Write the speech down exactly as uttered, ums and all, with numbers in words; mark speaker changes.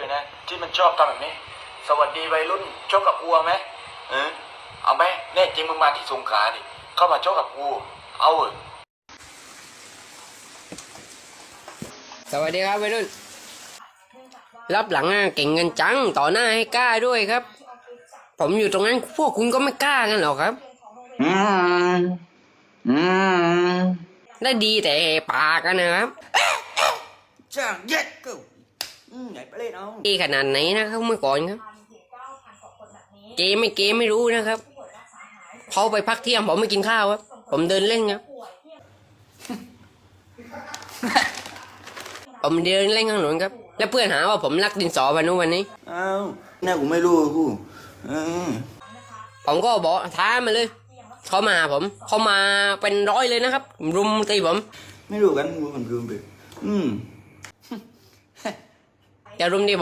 Speaker 1: เลยนะที่มันชอบทำแบบนี้สวัสดีวัยรุ่นชกกับกูไหมเออเอาไหมแน่จริงมึงมาที่สงขลาดิเข้ามาชกกับกูเอาเออ
Speaker 2: สวัสดีครับวัยรุ่นรับหลังอ่ะเก่งกันจังต่อหน้าให้กล้าด้วยครับผมอยู่ตรงนั้นพวกคุณก็ไม่กล้ากันหรอกครับอืมอืมได้ดีแต่ปากกันนะครับ
Speaker 3: ช่างเย็ดกูไหนไปเล่นเอา
Speaker 2: ดีขนาดไหนนะครับเมื่อก่อนครับเกมไม่เกมไม่รู้นะครับเขาไปพักเที่ยงผมไม่กินข้าวครับผมเดินเล่นครับผมเดินเล่นข้างถนนครับแล้วเพื่อนหาว่าผมรักดินสอวันนู้นวันนี้
Speaker 3: อ้าวน่ากูไม่รู้กู
Speaker 2: ผมก็บอกท้ามาเลยเขามาผมเขามาเป็นร้อยเลยนะครับรุมตีผม
Speaker 3: ไม่รู้กันกูมันคือไปอืม
Speaker 2: จะรุมตี